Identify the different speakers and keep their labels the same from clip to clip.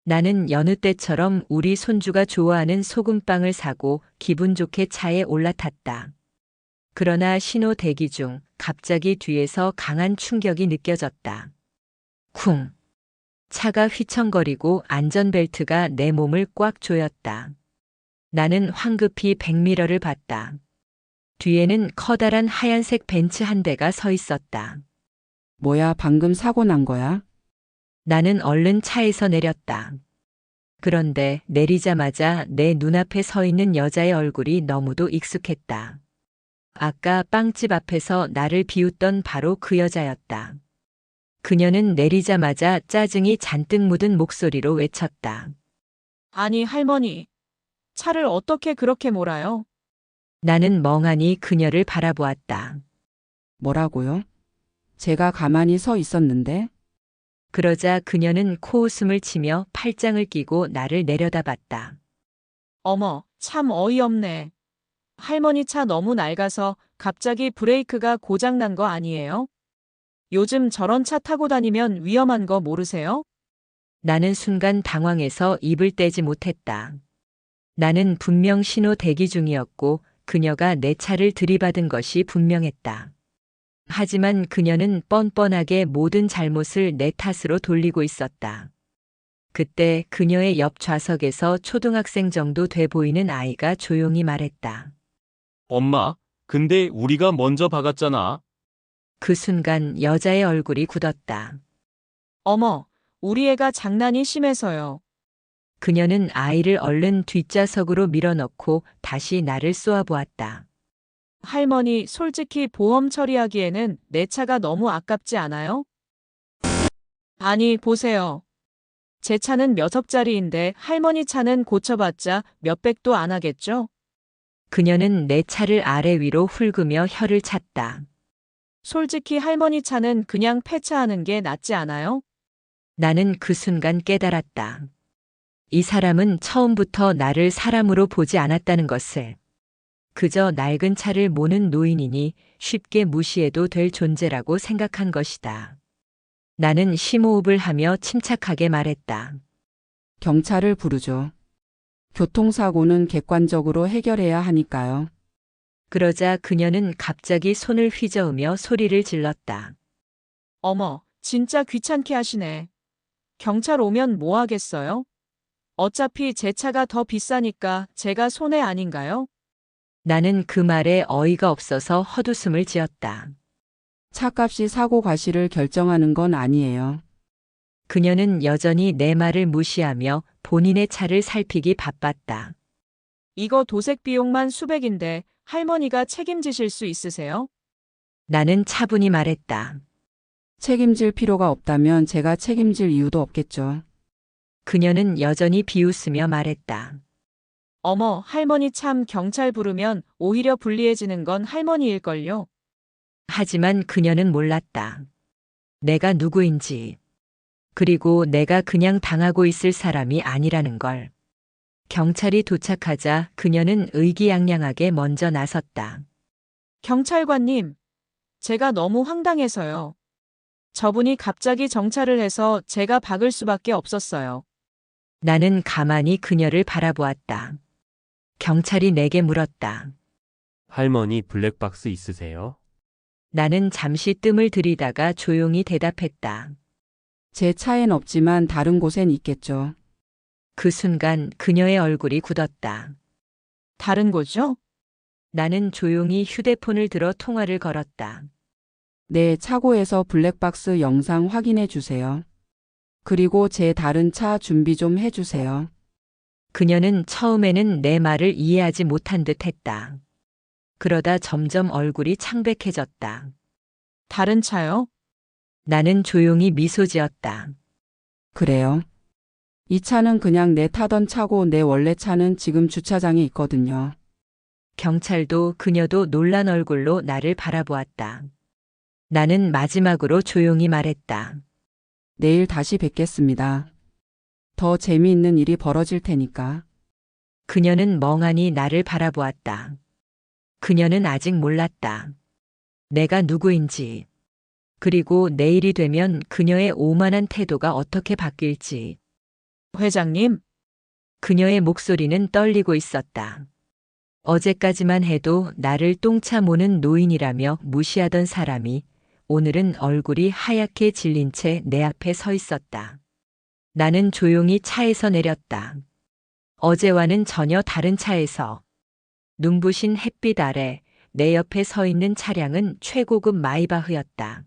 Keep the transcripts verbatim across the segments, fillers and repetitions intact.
Speaker 1: 나는 여느 때처럼 우리 손주가 좋아하는 소금빵을 사고 기분 좋게 차에 올라탔다. 그러나 신호 대기 중 갑자기 뒤에서 강한 충격이 느껴졌다. 쿵! 차가 휘청거리고 안전벨트가 내 몸을 꽉 조였다. 나는 황급히 백미러를 봤다. 뒤에는 커다란 하얀색 벤츠 한 대가 서 있었다.
Speaker 2: 뭐야, 방금 사고 난 거야?
Speaker 1: 나는 얼른 차에서 내렸다. 그런데 내리자마자 내 눈앞에 서 있는 여자의 얼굴이 너무도 익숙했다. 아까 빵집 앞에서 나를 비웃던 바로 그 여자였다. 그녀는 내리자마자 짜증이 잔뜩 묻은 목소리로 외쳤다.
Speaker 3: 아니, 할머니. 차를 어떻게 그렇게 몰아요?
Speaker 1: 나는 멍하니 그녀를 바라보았다.
Speaker 2: 뭐라고요? 제가 가만히 서 있었는데?
Speaker 1: 그러자 그녀는 코웃음을 치며 팔짱을 끼고 나를 내려다봤다.
Speaker 3: 어머, 참 어이없네. 할머니 차 너무 낡아서 갑자기 브레이크가 고장난 거 아니에요? 요즘 저런 차 타고 다니면 위험한 거 모르세요?
Speaker 1: 나는 순간 당황해서 입을 떼지 못했다. 나는 분명 신호 대기 중이었고 그녀가 내 차를 들이받은 것이 분명했다. 하지만 그녀는 뻔뻔하게 모든 잘못을 내 탓으로 돌리고 있었다. 그때 그녀의 옆 좌석에서 초등학생 정도 돼 보이는 아이가 조용히 말했다.
Speaker 4: 엄마, 근데 우리가 먼저 박았잖아.
Speaker 1: 그 순간 여자의 얼굴이 굳었다.
Speaker 3: 어머, 우리 애가 장난이 심해서요.
Speaker 1: 그녀는 아이를 얼른 뒷좌석으로 밀어넣고 다시 나를 쏘아보았다.
Speaker 3: 할머니, 솔직히 보험 처리하기에는 내 차가 너무 아깝지 않아요? 아니, 보세요. 제 차는 몇 억짜리인데 할머니 차는 고쳐봤자 몇백도 안 하겠죠?
Speaker 1: 그녀는 내 차를 아래 위로 훑으며 혀를 찼다.
Speaker 3: 솔직히 할머니 차는 그냥 폐차하는 게 낫지 않아요?
Speaker 1: 나는 그 순간 깨달았다. 이 사람은 처음부터 나를 사람으로 보지 않았다는 것을. 그저 낡은 차를 모는 노인이니 쉽게 무시해도 될 존재라고 생각한 것이다. 나는 심호흡을 하며 침착하게 말했다.
Speaker 2: 경찰을 부르죠. 교통사고는 객관적으로 해결해야 하니까요.
Speaker 1: 그러자 그녀는 갑자기 손을 휘저으며 소리를 질렀다.
Speaker 3: 어머, 진짜 귀찮게 하시네. 경찰 오면 뭐 하겠어요? 어차피 제 차가 더 비싸니까 제가 손해 아닌가요?
Speaker 1: 나는 그 말에 어이가 없어서 헛웃음을 지었다.
Speaker 2: 차값이 사고 과실을 결정하는 건 아니에요.
Speaker 1: 그녀는 여전히 내 말을 무시하며 본인의 차를 살피기 바빴다.
Speaker 3: 이거 도색 비용만 수백인데 할머니가 책임지실 수 있으세요?
Speaker 1: 나는 차분히 말했다.
Speaker 2: 책임질 필요가 없다면 제가 책임질 이유도 없겠죠.
Speaker 1: 그녀는 여전히 비웃으며 말했다.
Speaker 3: 어머, 할머니 참 경찰 부르면 오히려 불리해지는 건 할머니일걸요.
Speaker 1: 하지만 그녀는 몰랐다. 내가 누구인지. 그리고 내가 그냥 당하고 있을 사람이 아니라는 걸. 경찰이 도착하자 그녀는 의기양양하게 먼저 나섰다.
Speaker 3: 경찰관님, 제가 너무 황당해서요. 저분이 갑자기 정차를 해서 제가 박을 수밖에 없었어요.
Speaker 1: 나는 가만히 그녀를 바라보았다. 경찰이 내게 물었다.
Speaker 5: 할머니 블랙박스 있으세요?
Speaker 1: 나는 잠시 뜸을 들이다가 조용히 대답했다.
Speaker 2: 제 차엔 없지만 다른 곳엔 있겠죠.
Speaker 1: 그 순간 그녀의 얼굴이 굳었다.
Speaker 3: 다른 거죠?
Speaker 1: 나는 조용히 휴대폰을 들어 통화를 걸었다.
Speaker 2: 네, 차고에서 블랙박스 영상 확인해 주세요. 그리고 제 다른 차 준비 좀 해주세요.
Speaker 1: 그녀는 처음에는 내 말을 이해하지 못한 듯 했다. 그러다 점점 얼굴이 창백해졌다.
Speaker 3: 다른 차요?
Speaker 1: 나는 조용히 미소 지었다.
Speaker 2: 그래요. 이 차는 그냥 내 타던 차고 내 원래 차는 지금 주차장에 있거든요.
Speaker 1: 경찰도 그녀도 놀란 얼굴로 나를 바라보았다. 나는 마지막으로 조용히 말했다.
Speaker 2: 내일 다시 뵙겠습니다. 더 재미있는 일이 벌어질 테니까.
Speaker 1: 그녀는 멍하니 나를 바라보았다. 그녀는 아직 몰랐다. 내가 누구인지. 그리고 내일이 되면 그녀의 오만한 태도가 어떻게 바뀔지.
Speaker 3: 회장님,
Speaker 1: 그녀의 목소리는 떨리고 있었다. 어제까지만 해도 나를 똥차 모는 노인이라며 무시하던 사람이 오늘은 얼굴이 하얗게 질린 채 내 앞에 서 있었다. 나는 조용히 차에서 내렸다. 어제와는 전혀 다른 차에서. 눈부신 햇빛 아래 내 옆에 서 있는 차량은 최고급 마이바흐였다.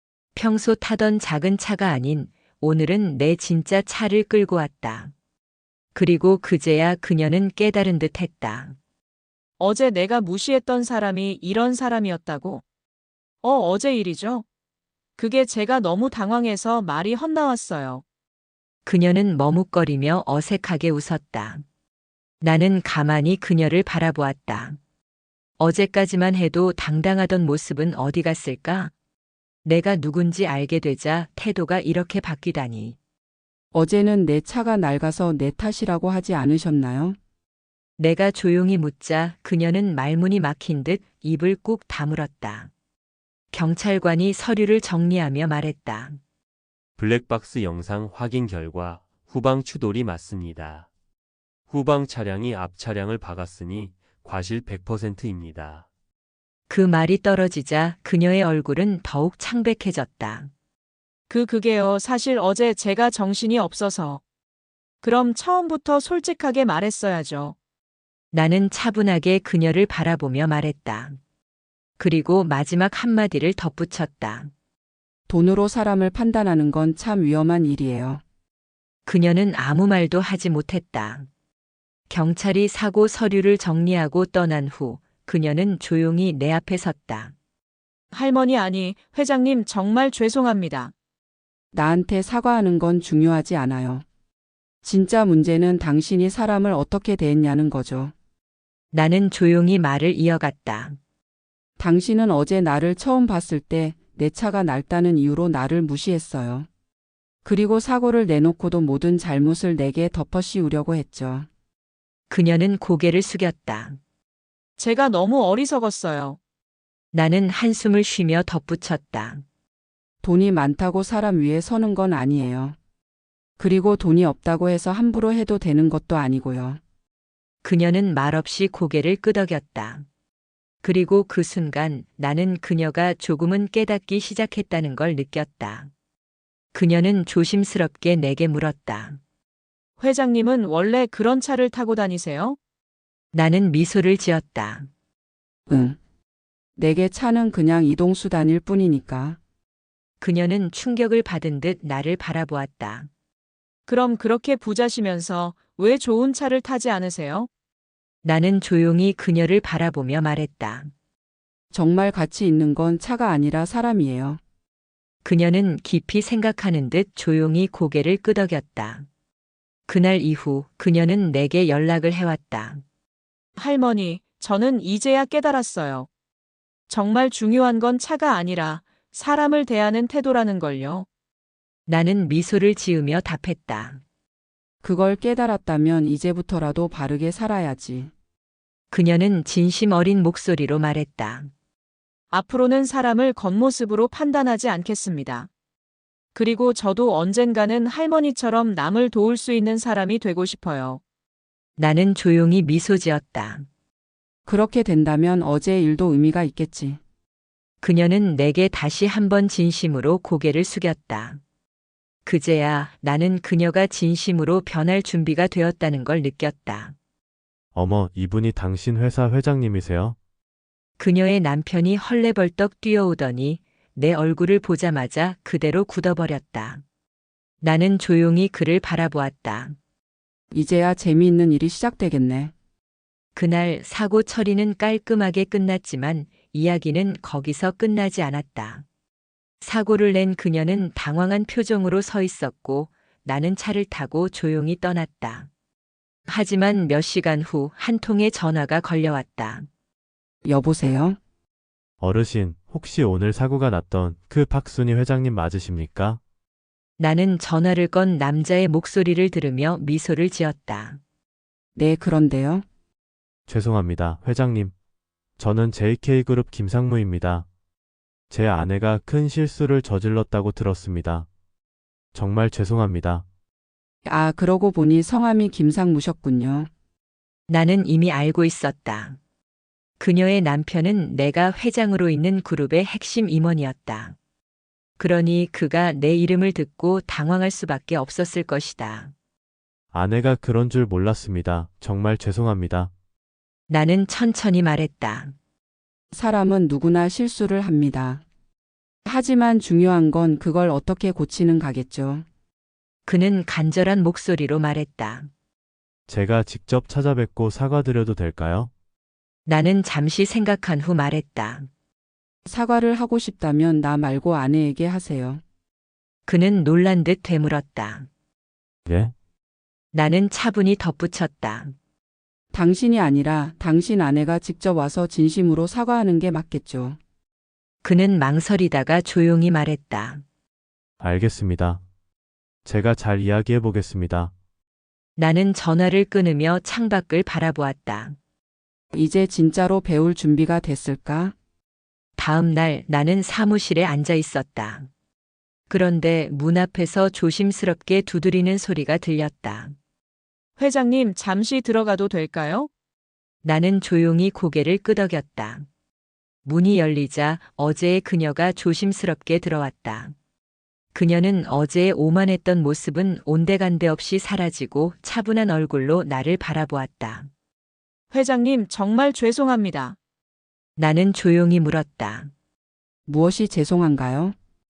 Speaker 1: 평소 타던 작은 차가 아닌 오늘은 내 진짜 차를 끌고 왔다. 그리고 그제야 그녀는 깨달은 듯 했다.
Speaker 3: 어제 내가 무시했던 사람이 이런 사람이었다고? 어, 어제 일이죠? 그게 제가 너무 당황해서 말이 헛나왔어요.
Speaker 1: 그녀는 머뭇거리며 어색하게 웃었다. 나는 가만히 그녀를 바라보았다. 어제까지만 해도 당당하던 모습은 어디 갔을까? 내가 누군지 알게 되자 태도가 이렇게 바뀌다니.
Speaker 2: 어제는 내 차가 낡아서 내 탓이라고 하지 않으셨나요?
Speaker 1: 내가 조용히 묻자 그녀는 말문이 막힌 듯 입을 꾹 다물었다. 경찰관이 서류를 정리하며 말했다.
Speaker 5: 블랙박스 영상 확인 결과 후방 추돌이 맞습니다. 후방 차량이 앞 차량을 박았으니 과실 백 퍼센트입니다.
Speaker 1: 그 말이 떨어지자 그녀의 얼굴은 더욱 창백해졌다.
Speaker 3: 그 그게요, 사실 어제 제가 정신이 없어서. 그럼 처음부터 솔직하게 말했어야죠.
Speaker 1: 나는 차분하게 그녀를 바라보며 말했다. 그리고 마지막 한마디를 덧붙였다.
Speaker 2: 돈으로 사람을 판단하는 건 참 위험한 일이에요.
Speaker 1: 그녀는 아무 말도 하지 못했다. 경찰이 사고 서류를 정리하고 떠난 후 그녀는 조용히 내 앞에 섰다.
Speaker 3: 할머니 아니, 회장님 정말 죄송합니다.
Speaker 2: 나한테 사과하는 건 중요하지 않아요. 진짜 문제는 당신이 사람을 어떻게 대했냐는 거죠.
Speaker 1: 나는 조용히 말을 이어갔다.
Speaker 2: 당신은 어제 나를 처음 봤을 때 내 차가 낡다는 이유로 나를 무시했어요. 그리고 사고를 내놓고도 모든 잘못을 내게 덮어씌우려고 했죠.
Speaker 1: 그녀는 고개를 숙였다.
Speaker 3: 제가 너무 어리석었어요.
Speaker 1: 나는 한숨을 쉬며 덧붙였다.
Speaker 2: 돈이 많다고 사람 위에 서는 건 아니에요. 그리고 돈이 없다고 해서 함부로 해도 되는 것도 아니고요.
Speaker 1: 그녀는 말없이 고개를 끄덕였다. 그리고 그 순간 나는 그녀가 조금은 깨닫기 시작했다는 걸 느꼈다. 그녀는 조심스럽게 내게 물었다.
Speaker 3: 회장님은 원래 그런 차를 타고 다니세요?
Speaker 1: 나는 미소를 지었다.
Speaker 2: 응. 내게 차는 그냥 이동수단일 뿐이니까.
Speaker 1: 그녀는 충격을 받은 듯 나를 바라보았다.
Speaker 3: 그럼 그렇게 부자시면서 왜 좋은 차를 타지 않으세요?
Speaker 1: 나는 조용히 그녀를 바라보며 말했다.
Speaker 2: 정말 가치 있는 건 차가 아니라 사람이에요.
Speaker 1: 그녀는 깊이 생각하는 듯 조용히 고개를 끄덕였다. 그날 이후 그녀는 내게 연락을 해왔다.
Speaker 3: 할머니, 저는 이제야 깨달았어요. 정말 중요한 건 차가 아니라 사람을 대하는 태도라는 걸요.
Speaker 1: 나는 미소를 지으며 답했다.
Speaker 2: 그걸 깨달았다면 이제부터라도 바르게 살아야지.
Speaker 1: 그녀는 진심 어린 목소리로 말했다.
Speaker 3: 앞으로는 사람을 겉모습으로 판단하지 않겠습니다. 그리고 저도 언젠가는 할머니처럼 남을 도울 수 있는 사람이 되고 싶어요.
Speaker 1: 나는 조용히 미소 지었다.
Speaker 2: 그렇게 된다면 어제의 일도 의미가 있겠지.
Speaker 1: 그녀는 내게 다시 한번 진심으로 고개를 숙였다. 그제야 나는 그녀가 진심으로 변할 준비가 되었다는 걸 느꼈다.
Speaker 6: 어머, 이분이 당신 회사 회장님이세요?
Speaker 1: 그녀의 남편이 헐레벌떡 뛰어오더니 내 얼굴을 보자마자 그대로 굳어버렸다. 나는 조용히 그를 바라보았다.
Speaker 2: 이제야 재미있는 일이 시작되겠네.
Speaker 1: 그날 사고 처리는 깔끔하게 끝났지만 이야기는 거기서 끝나지 않았다. 사고를 낸 그녀는 당황한 표정으로 서 있었고 나는 차를 타고 조용히 떠났다. 하지만 몇 시간 후 한 통의 전화가 걸려왔다.
Speaker 2: 여보세요?
Speaker 6: 어르신, 혹시 오늘 사고가 났던 그 박순희 회장님 맞으십니까?
Speaker 1: 나는 전화를 건 남자의 목소리를 들으며 미소를 지었다.
Speaker 2: 네, 그런데요.
Speaker 6: 죄송합니다, 회장님. 저는 제이케이그룹 김상무입니다. 제 아내가 큰 실수를 저질렀다고 들었습니다. 정말 죄송합니다.
Speaker 2: 아, 그러고 보니 성함이 김상무셨군요.
Speaker 1: 나는 이미 알고 있었다. 그녀의 남편은 내가 회장으로 있는 그룹의 핵심 임원이었다. 그러니 그가 내 이름을 듣고 당황할 수밖에 없었을 것이다.
Speaker 6: 아내가 그런 줄 몰랐습니다. 정말 죄송합니다.
Speaker 1: 나는 천천히 말했다.
Speaker 2: 사람은 누구나 실수를 합니다. 하지만 중요한 건 그걸 어떻게 고치는 가겠죠.
Speaker 1: 그는 간절한 목소리로 말했다.
Speaker 6: 제가 직접 찾아뵙고 사과드려도 될까요?
Speaker 1: 나는 잠시 생각한 후 말했다.
Speaker 2: 사과를 하고 싶다면 나 말고 아내에게 하세요.
Speaker 1: 그는 놀란 듯 되물었다.
Speaker 6: 예?
Speaker 1: 나는 차분히 덧붙였다.
Speaker 2: 당신이 아니라 당신 아내가 직접 와서 진심으로 사과하는 게 맞겠죠.
Speaker 1: 그는 망설이다가 조용히 말했다.
Speaker 6: 알겠습니다. 제가 잘 이야기해 보겠습니다.
Speaker 1: 나는 전화를 끊으며 창밖을 바라보았다.
Speaker 2: 이제 진짜로 배울 준비가 됐을까?
Speaker 1: 다음 날 나는 사무실에 앉아 있었다. 그런데 문 앞에서 조심스럽게 두드리는 소리가 들렸다.
Speaker 3: 회장님, 잠시 들어가도 될까요?
Speaker 1: 나는 조용히 고개를 끄덕였다. 문이 열리자 어제의 그녀가 조심스럽게 들어왔다. 그녀는 어제의 오만했던 모습은 온데간데 없이 사라지고 차분한 얼굴로 나를 바라보았다.
Speaker 3: 회장님, 정말 죄송합니다.
Speaker 1: 나는 조용히 물었다.
Speaker 2: 무엇이 죄송한가요?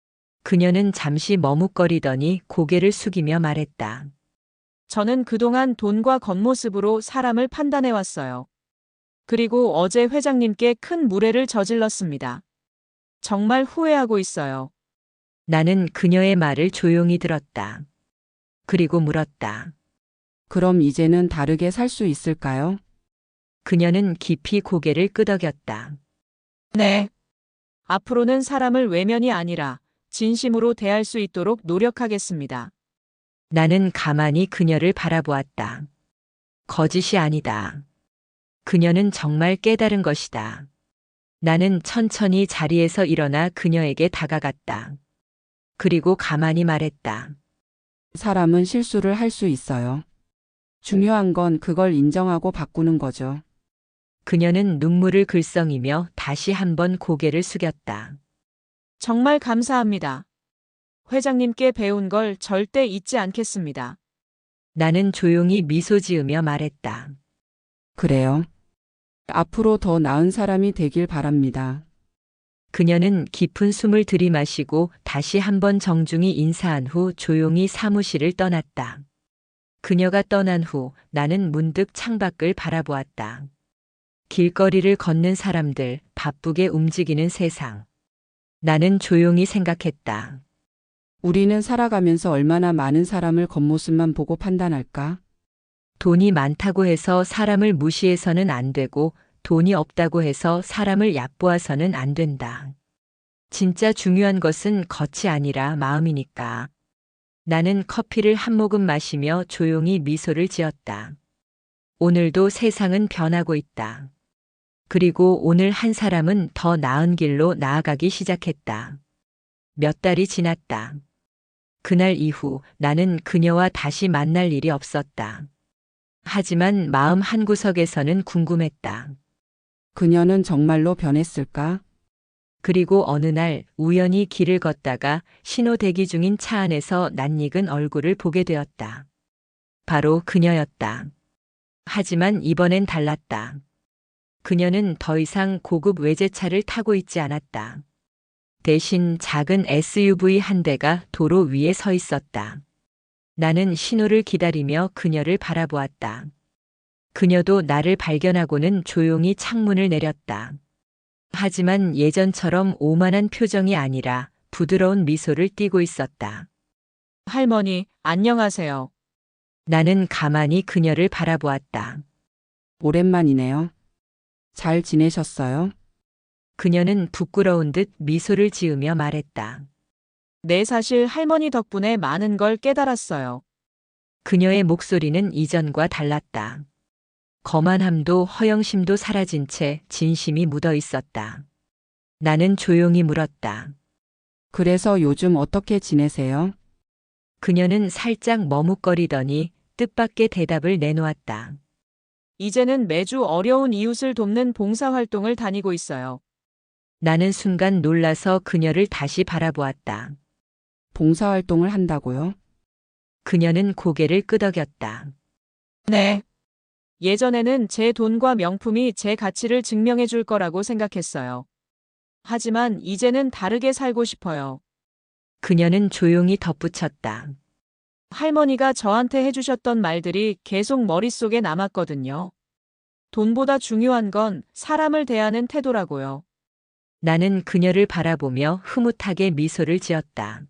Speaker 1: 그녀는 잠시 머뭇거리더니 고개를 숙이며 말했다.
Speaker 3: 저는 그동안 돈과 겉모습으로 사람을 판단해왔어요. 그리고 어제 회장님께 큰 무례를 저질렀습니다. 정말 후회하고 있어요.
Speaker 1: 나는 그녀의 말을 조용히 들었다. 그리고 물었다.
Speaker 2: 그럼 이제는 다르게 살 수 있을까요?
Speaker 1: 그녀는 깊이 고개를 끄덕였다.
Speaker 3: 네. 앞으로는 사람을 외면이 아니라 진심으로 대할 수 있도록 노력하겠습니다.
Speaker 1: 나는 가만히 그녀를 바라보았다. 거짓이 아니다. 그녀는 정말 깨달은 것이다. 나는 천천히 자리에서 일어나 그녀에게 다가갔다. 그리고 가만히 말했다.
Speaker 2: 사람은 실수를 할 수 있어요. 중요한 건 그걸 인정하고 바꾸는 거죠.
Speaker 1: 그녀는 눈물을 글썽이며 다시 한번 고개를 숙였다.
Speaker 3: 정말 감사합니다. 회장님께 배운 걸 절대 잊지 않겠습니다.
Speaker 1: 나는 조용히 미소 지으며 말했다.
Speaker 2: 그래요. 앞으로 더 나은 사람이 되길 바랍니다.
Speaker 1: 그녀는 깊은 숨을 들이마시고 다시 한번 정중히 인사한 후 조용히 사무실을 떠났다. 그녀가 떠난 후 나는 문득 창밖을 바라보았다. 길거리를 걷는 사람들, 바쁘게 움직이는 세상. 나는 조용히 생각했다.
Speaker 2: 우리는 살아가면서 얼마나 많은 사람을 겉모습만 보고 판단할까?
Speaker 1: 돈이 많다고 해서 사람을 무시해서는 안 되고 돈이 없다고 해서 사람을 얕보아서는 안 된다. 진짜 중요한 것은 겉이 아니라 마음이니까. 나는 커피를 한 모금 마시며 조용히 미소를 지었다. 오늘도 세상은 변하고 있다. 그리고 오늘 한 사람은 더 나은 길로 나아가기 시작했다. 몇 달이 지났다. 그날 이후 나는 그녀와 다시 만날 일이 없었다. 하지만 마음 한구석에서는 궁금했다.
Speaker 2: 그녀는 정말로 변했을까?
Speaker 1: 그리고 어느 날 우연히 길을 걷다가 신호 대기 중인 차 안에서 낯익은 얼굴을 보게 되었다. 바로 그녀였다. 하지만 이번엔 달랐다. 그녀는 더 이상 고급 외제차를 타고 있지 않았다. 대신 작은 에스유브이 한 대가 도로 위에 서 있었다. 나는 신호를 기다리며 그녀를 바라보았다. 그녀도 나를 발견하고는 조용히 창문을 내렸다. 하지만 예전처럼 오만한 표정이 아니라 부드러운 미소를 띠고 있었다.
Speaker 3: 할머니, 안녕하세요.
Speaker 1: 나는 가만히 그녀를 바라보았다.
Speaker 2: 오랜만이네요. 잘 지내셨어요?
Speaker 1: 그녀는 부끄러운 듯 미소를 지으며 말했다.
Speaker 3: 네, 사실 할머니 덕분에 많은 걸 깨달았어요.
Speaker 1: 그녀의 목소리는 이전과 달랐다. 거만함도 허영심도 사라진 채 진심이 묻어 있었다. 나는 조용히 물었다.
Speaker 2: 그래서 요즘 어떻게 지내세요?
Speaker 1: 그녀는 살짝 머뭇거리더니 뜻밖의 대답을 내놓았다.
Speaker 3: 이제는 매주 어려운 이웃을 돕는 봉사활동을 다니고 있어요.
Speaker 1: 나는 순간 놀라서 그녀를 다시 바라보았다.
Speaker 2: 봉사활동을 한다고요?
Speaker 1: 그녀는 고개를 끄덕였다.
Speaker 3: 네. 예전에는 제 돈과 명품이 제 가치를 증명해 줄 거라고 생각했어요. 하지만 이제는 다르게 살고 싶어요.
Speaker 1: 그녀는 조용히 덧붙였다.
Speaker 3: 할머니가 저한테 해주셨던 말들이 계속 머릿속에 남았거든요. 돈보다 중요한 건 사람을 대하는 태도라고요.
Speaker 1: 나는 그녀를 바라보며 흐뭇하게 미소를 지었다.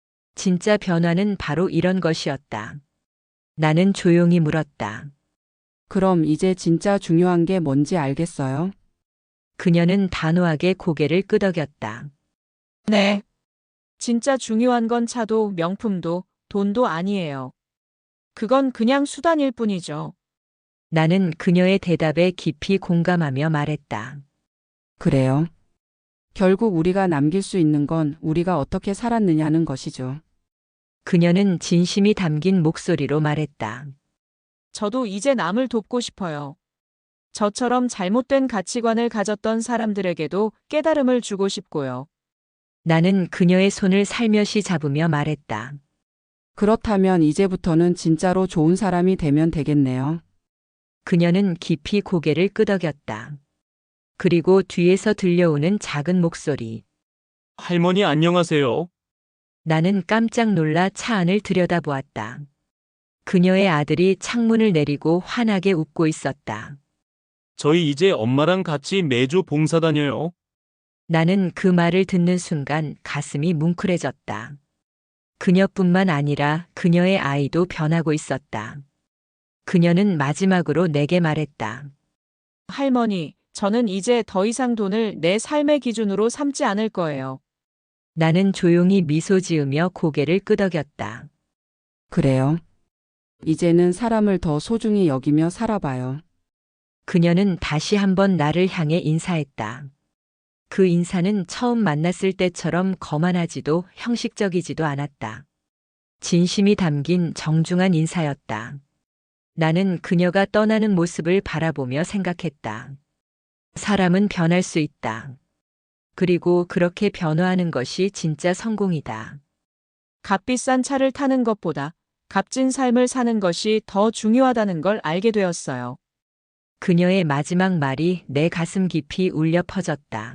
Speaker 1: 진짜 변화는 바로 이런 것이었다. 나는 조용히 물었다.
Speaker 2: 그럼 이제 진짜 중요한 게 뭔지 알겠어요?
Speaker 1: 그녀는 단호하게 고개를 끄덕였다.
Speaker 3: 네. 진짜 중요한 건 차도 명품도 돈도 아니에요. 그건 그냥 수단일 뿐이죠.
Speaker 1: 나는 그녀의 대답에 깊이 공감하며 말했다.
Speaker 2: 그래요. 결국 우리가 남길 수 있는 건 우리가 어떻게 살았느냐는 것이죠.
Speaker 1: 그녀는 진심이 담긴 목소리로 말했다.
Speaker 3: 저도 이제 남을 돕고 싶어요. 저처럼 잘못된 가치관을 가졌던 사람들에게도 깨달음을 주고 싶고요.
Speaker 1: 나는 그녀의 손을 살며시 잡으며 말했다.
Speaker 2: 그렇다면 이제부터는 진짜로 좋은 사람이 되면 되겠네요.
Speaker 1: 그녀는 깊이 고개를 끄덕였다. 그리고 뒤에서 들려오는 작은 목소리.
Speaker 4: 할머니 안녕하세요.
Speaker 1: 나는 깜짝 놀라 차 안을 들여다보았다. 그녀의 아들이 창문을 내리고 환하게 웃고 있었다.
Speaker 4: 저희 이제 엄마랑 같이 매주 봉사 다녀요.
Speaker 1: 나는 그 말을 듣는 순간 가슴이 뭉클해졌다. 그녀뿐만 아니라 그녀의 아이도 변하고 있었다. 그녀는 마지막으로 내게 말했다.
Speaker 3: 할머니, 저는 이제 더 이상 돈을 내 삶의 기준으로 삼지 않을 거예요.
Speaker 1: 나는 조용히 미소 지으며 고개를 끄덕였다.
Speaker 2: 그래요. 이제는 사람을 더 소중히 여기며 살아봐요.
Speaker 1: 그녀는 다시 한번 나를 향해 인사했다. 그 인사는 처음 만났을 때처럼 거만하지도 형식적이지도 않았다. 진심이 담긴 정중한 인사였다. 나는 그녀가 떠나는 모습을 바라보며 생각했다. 사람은 변할 수 있다. 그리고 그렇게 변화하는 것이 진짜 성공이다.
Speaker 3: 값비싼 차를 타는 것보다 값진 삶을 사는 것이 더 중요하다는 걸 알게 되었어요.
Speaker 1: 그녀의 마지막 말이 내 가슴 깊이 울려 퍼졌다.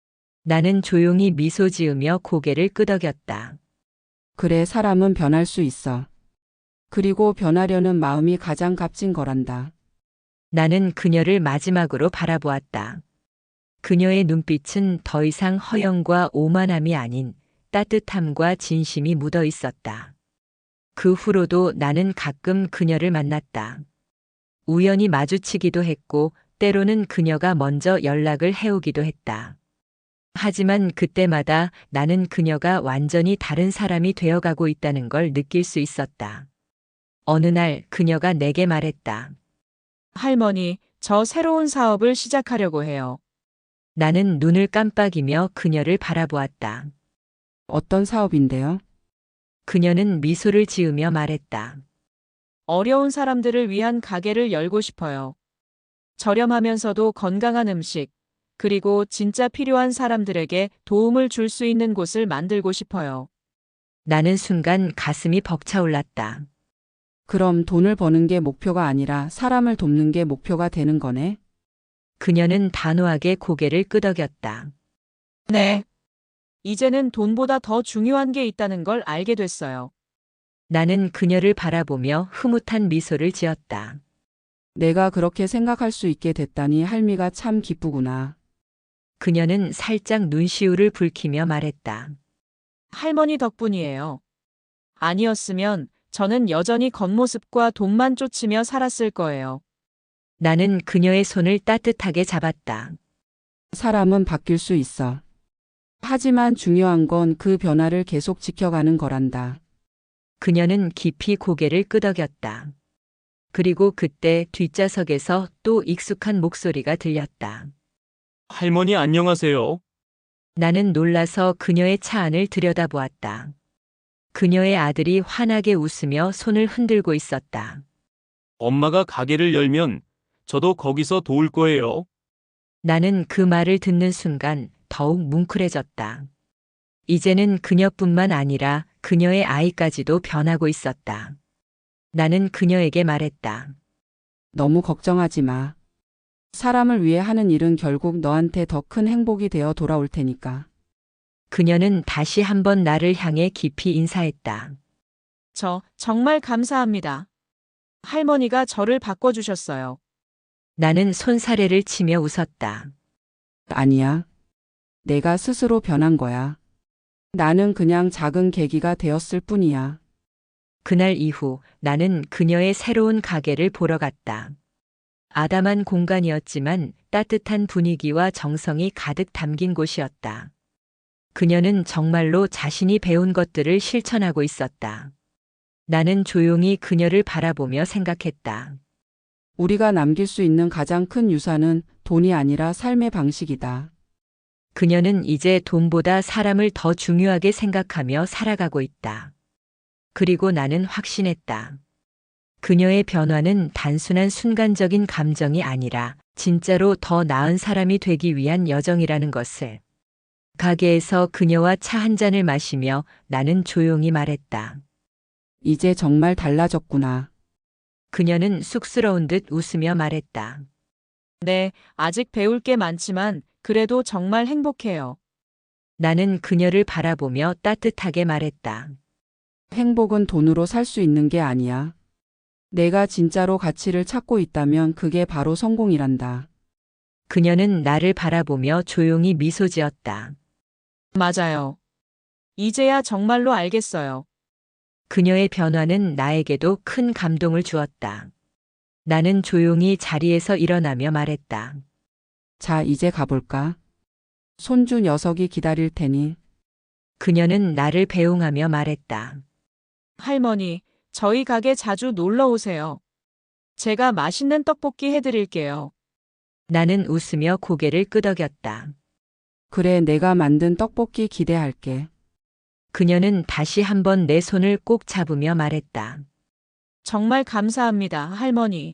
Speaker 1: 나는 조용히 미소 지으며 고개를 끄덕였다.
Speaker 2: 그래, 사람은 변할 수 있어. 그리고 변하려는 마음이 가장 값진 거란다.
Speaker 1: 나는 그녀를 마지막으로 바라보았다. 그녀의 눈빛은 더 이상 허영과 오만함이 아닌 따뜻함과 진심이 묻어 있었다. 그 후로도 나는 가끔 그녀를 만났다. 우연히 마주치기도 했고 때로는 그녀가 먼저 연락을 해오기도 했다. 하지만 그때마다 나는 그녀가 완전히 다른 사람이 되어가고 있다는 걸 느낄 수 있었다. 어느 날 그녀가 내게 말했다.
Speaker 3: 할머니, 저 새로운 사업을 시작하려고 해요.
Speaker 1: 나는 눈을 깜빡이며 그녀를 바라보았다.
Speaker 2: 어떤 사업인데요?
Speaker 1: 그녀는 미소를 지으며 말했다.
Speaker 3: 어려운 사람들을 위한 가게를 열고 싶어요. 저렴하면서도 건강한 음식, 그리고 진짜 필요한 사람들에게 도움을 줄 수 있는 곳을 만들고 싶어요.
Speaker 1: 나는 순간 가슴이 벅차올랐다.
Speaker 2: 그럼 돈을 버는 게 목표가 아니라 사람을 돕는 게 목표가 되는 거네?
Speaker 1: 그녀는 단호하게 고개를 끄덕였다.
Speaker 3: 네. 이제는 돈보다 더 중요한 게 있다는 걸 알게 됐어요.
Speaker 1: 나는 그녀를 바라보며 흐뭇한 미소를 지었다.
Speaker 2: 내가 그렇게 생각할 수 있게 됐다니 할미가 참 기쁘구나.
Speaker 1: 그녀는 살짝 눈시울을 붉히며 말했다.
Speaker 3: 할머니 덕분이에요. 아니었으면 저는 여전히 겉모습과 돈만 쫓으며 살았을 거예요.
Speaker 1: 나는 그녀의 손을 따뜻하게 잡았다.
Speaker 2: 사람은 바뀔 수 있어. 하지만 중요한 건 그 변화를 계속 지켜가는 거란다.
Speaker 1: 그녀는 깊이 고개를 끄덕였다. 그리고 그때 뒷좌석에서 또 익숙한 목소리가 들렸다.
Speaker 4: 할머니 안녕하세요.
Speaker 1: 나는 놀라서 그녀의 차 안을 들여다보았다. 그녀의 아들이 환하게 웃으며 손을 흔들고 있었다.
Speaker 4: 엄마가 가게를 열면 저도 거기서 도울 거예요.
Speaker 1: 나는 그 말을 듣는 순간 더욱 뭉클해졌다. 이제는 그녀뿐만 아니라 그녀의 아이까지도 변하고 있었다. 나는 그녀에게 말했다.
Speaker 2: 너무 걱정하지 마. 사람을 위해 하는 일은 결국 너한테 더 큰 행복이 되어 돌아올 테니까.
Speaker 1: 그녀는 다시 한번 나를 향해 깊이 인사했다.
Speaker 3: 저 정말 감사합니다. 할머니가 저를 바꿔주셨어요.
Speaker 1: 나는 손사래를 치며 웃었다.
Speaker 2: 아니야. 내가 스스로 변한 거야. 나는 그냥 작은 계기가 되었을 뿐이야.
Speaker 1: 그날 이후 나는 그녀의 새로운 가게를 보러 갔다. 아담한 공간이었지만 따뜻한 분위기와 정성이 가득 담긴 곳이었다. 그녀는 정말로 자신이 배운 것들을 실천하고 있었다. 나는 조용히 그녀를 바라보며 생각했다.
Speaker 2: 우리가 남길 수 있는 가장 큰 유산은 돈이 아니라 삶의 방식이다.
Speaker 1: 그녀는 이제 돈보다 사람을 더 중요하게 생각하며 살아가고 있다. 그리고 나는 확신했다. 그녀의 변화는 단순한 순간적인 감정이 아니라 진짜로 더 나은 사람이 되기 위한 여정이라는 것을. 가게에서 그녀와 차 한 잔을 마시며 나는 조용히 말했다.
Speaker 2: 이제 정말 달라졌구나.
Speaker 1: 그녀는 쑥스러운 듯 웃으며 말했다.
Speaker 3: 네, 아직 배울 게 많지만 그래도 정말 행복해요.
Speaker 1: 나는 그녀를 바라보며 따뜻하게 말했다.
Speaker 2: 행복은 돈으로 살 수 있는 게 아니야. 내가 진짜로 가치를 찾고 있다면 그게 바로 성공이란다.
Speaker 1: 그녀는 나를 바라보며 조용히 미소 지었다.
Speaker 3: 맞아요. 이제야 정말로 알겠어요.
Speaker 1: 그녀의 변화는 나에게도 큰 감동을 주었다. 나는 조용히 자리에서 일어나며 말했다.
Speaker 2: 자, 이제 가볼까? 손주 녀석이 기다릴 테니.
Speaker 1: 그녀는 나를 배웅하며 말했다.
Speaker 3: 할머니, 저희 가게 자주 놀러 오세요. 제가 맛있는 떡볶이 해드릴게요.
Speaker 1: 나는 웃으며 고개를 끄덕였다.
Speaker 2: 그래, 내가 만든 떡볶이 기대할게.
Speaker 1: 그녀는 다시 한번 내 손을 꼭 잡으며 말했다.
Speaker 3: 정말 감사합니다, 할머니.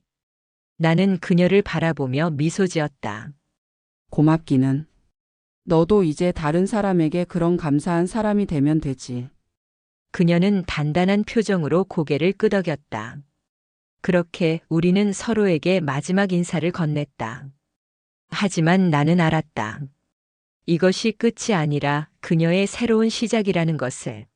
Speaker 1: 나는 그녀를 바라보며 미소 지었다.
Speaker 2: 고맙기는. 너도 이제 다른 사람에게 그런 감사한 사람이 되면 되지.
Speaker 1: 그녀는 단단한 표정으로 고개를 끄덕였다. 그렇게 우리는 서로에게 마지막 인사를 건넸다. 하지만 나는 알았다. 이것이 끝이 아니라 그녀의 새로운 시작이라는 것을.